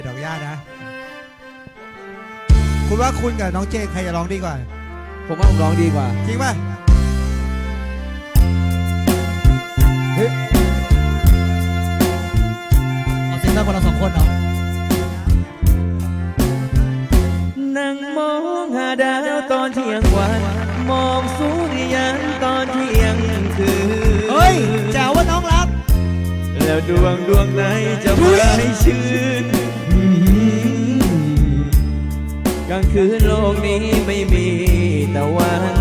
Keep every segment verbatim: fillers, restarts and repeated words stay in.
ดอกหญ้านะคุณว่าคุณกับน้องเจใครจะร้องดีกว่าผมว่าผมร้องดีกว่าจริงป่ะเอาเซ็นเตอร์คนละสองคนเนาะนั่งมองหาดาวตอนเที่ยงวันมองสุริยันตอนเที่ยงคืนเฮ้ยแจ๋วว่าน้องรักแล้วดวงดวงไหนจะไม่ชื่นกลางคืนโลกนี้ไม่มีตะวัน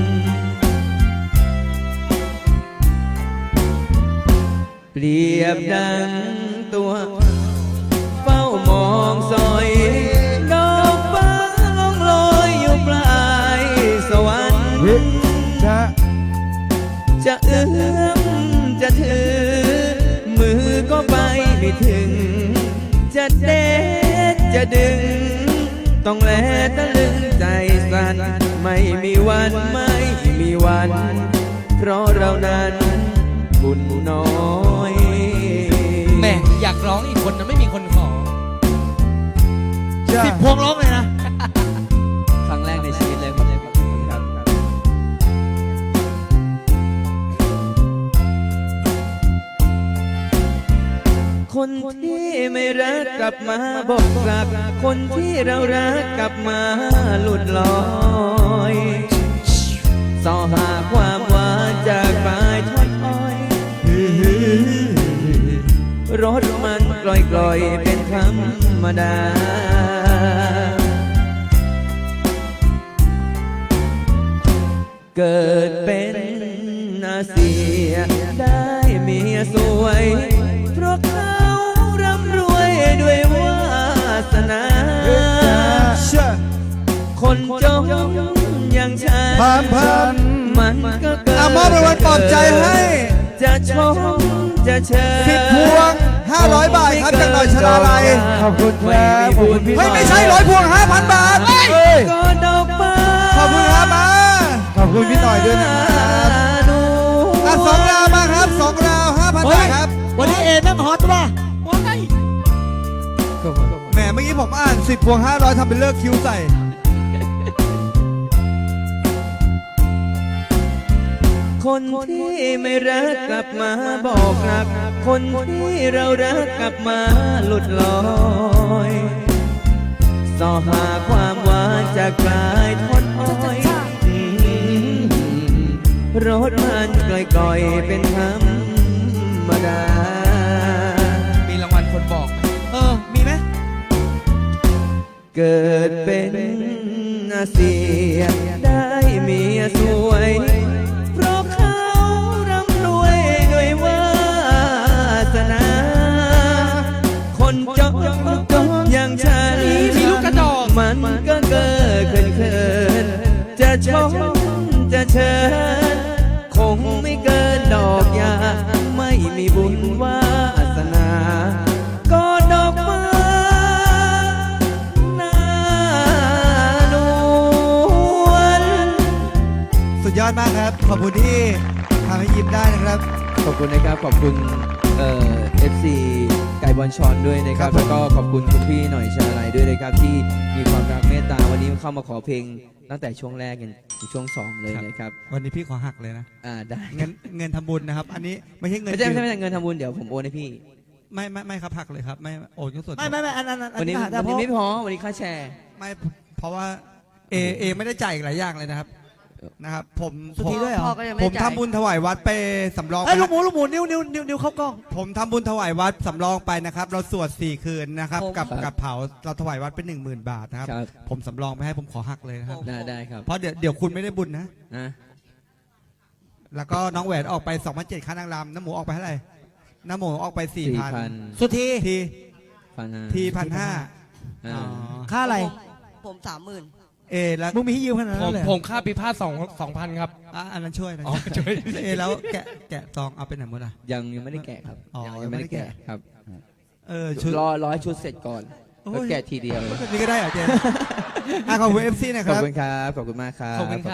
เปรียบดังตัวเฝ้ามองซอยดอกฟ้าล่องลอยอยู่ปลายสวรรค์จะจะเอื้อมจะถือมือก็ไปไม่ถึงจะเด็ดจะดึงต้องแลตะลึงใจสั่นไม่มีวันไม่มีวันเพราะเรานั้นบุญน้อยแม่อยากร้องอีกคนนะไม่มีคนขอสิบพวงร้องเลยนะครั้งแรกในชีวิตเลยครับคนที่ไม่รักกลับมาบอกรักคนที่เรารักกลับมาหลุดลอยสอหาความหวานจากปลายท่อนอ้อยรถมันกลอยกลอยเป็นธรรมดาเกิดเป็นอาเซียได้เมียสวยเพราะเขาร่ำรวยด้วยวาสนาคนจนอย่างฉันพันพันมันก็เกิดมอบรางวัลปลอบใจให้จะชมจะเชิญสิบพวงห้าร้อยบาทครับจากหน่อยชลาลัยขอบคุณครับขอบคุณพี่เฮ้ยไม่ใช่ร้อยพวงห้าพันบาทก็ดอกไม้ขอบคุณครับมาขอบคุณพี่หน่อยด้วยนะครับอ่ะสองราวมาครับสองราวห้าพันบาทครับวันนี้เอนั่งฮอตป่ะว้ายแหมเมื่อกี้ผมอ่านสิบพวงห้าร้อยทำเป็นเลิกคิ้วใส่คนที่ไม่รักกลับมาบอกรักคนที่เรารักกลับมาหลุดลอยสอหาความหวานจากปลายท่อนอ้อยรถมันกล่อยๆเป็นธรรมดามีรางวัลคนบอกเออมีไหมเกิดเป็นอาเซียได้เมียสวยเพราะเขาร่ำรวยด้วยวาสนาคนจนอย่างฉันมีลูกกระจอกมันก็เกิดเขินเขินจะชมจะเชิญคงไม่เกินดอกยาไม่มีบุญวาสนาก็ดอกไม้หน้านวลสุดยอดมากครับขอบคุณที่ทำให้ยิ้มได้นะครับขอบคุณนะครับขอบคุณเอ่อ เอฟ ซี ไก่บอลชอนด้วยนะครับแล้วก็ขอบคุณคุณพี่หน่อยชาลัยด้วยนะครับที่มีความรักเมตตาวันนี้เข้ามาขอเพลงตั้งแต่ช่วงแรกยันช่วงสองเลยนะครับวันนี้พี่ขอหักเลยนะอ่าได้เงินเงินทำบุญนะครับอันนี้ไม่ใช่เงินไม่ใช่ไม่ใช่เงินทำบุญเดี๋ยวผมโอนให้พี่ไม่ไม่ไม่ครับหักเลยครับไม่โอนก็ส่วนไม่ไม่ไม่อันนั้นวันนี้วันนี้ไม่พอวันนี้ค่าแชร์ไม่เพราะว่าเอเอไม่ได้จ่ายอีกหลายอย่างเลยนะครับนะครับผมผมผมทำบุญถวายวัดไปสำรองไปลูกหมูลูกหมูนิ้วนิ้วนิ้วนิ้วเข้ากล้องผมทำบุญถวายวัดสำรองไปนะครับเราสวดสี่คืนนะครับกับกับเผาเราถวายวัดเป็นหนึ่งหมื่นบาทนะครับผมสำรองไปให้ผมขอหักเลยนะครับได้ได้ครับเพราะเดี๋ยวเดี๋ยวคุณไม่ได้บุญนะแล้วก็น้องแหวนออกไปสองพันเจ็ดค่านางรำน้ำหมูออกไปเท่าไหร่น้ำหมูออกไปสี่พันสุดทีทีทีพันห้าค่าอะไรผมสามหมื่นเอแล้วมึงมีให้ยืมขนาดนั้นเลยผมค่าปีพาสสองสองพันครับอ่ะอันนั้นช่วยนะช่วยเอแล้วแกะแกะซองเอาไปไหนหมดอ่ะยังยังไม่ได้แกะครับยังไม่ได้แกะครับเออชุดรอร้อยชุดเสร็จก่อนแล้วแกะทีเดียวนี่ก็ได้เหรอเจนอ่ะขอบคุณเอฟซีนะครับขอบคุณครับขอบคุณมากครับ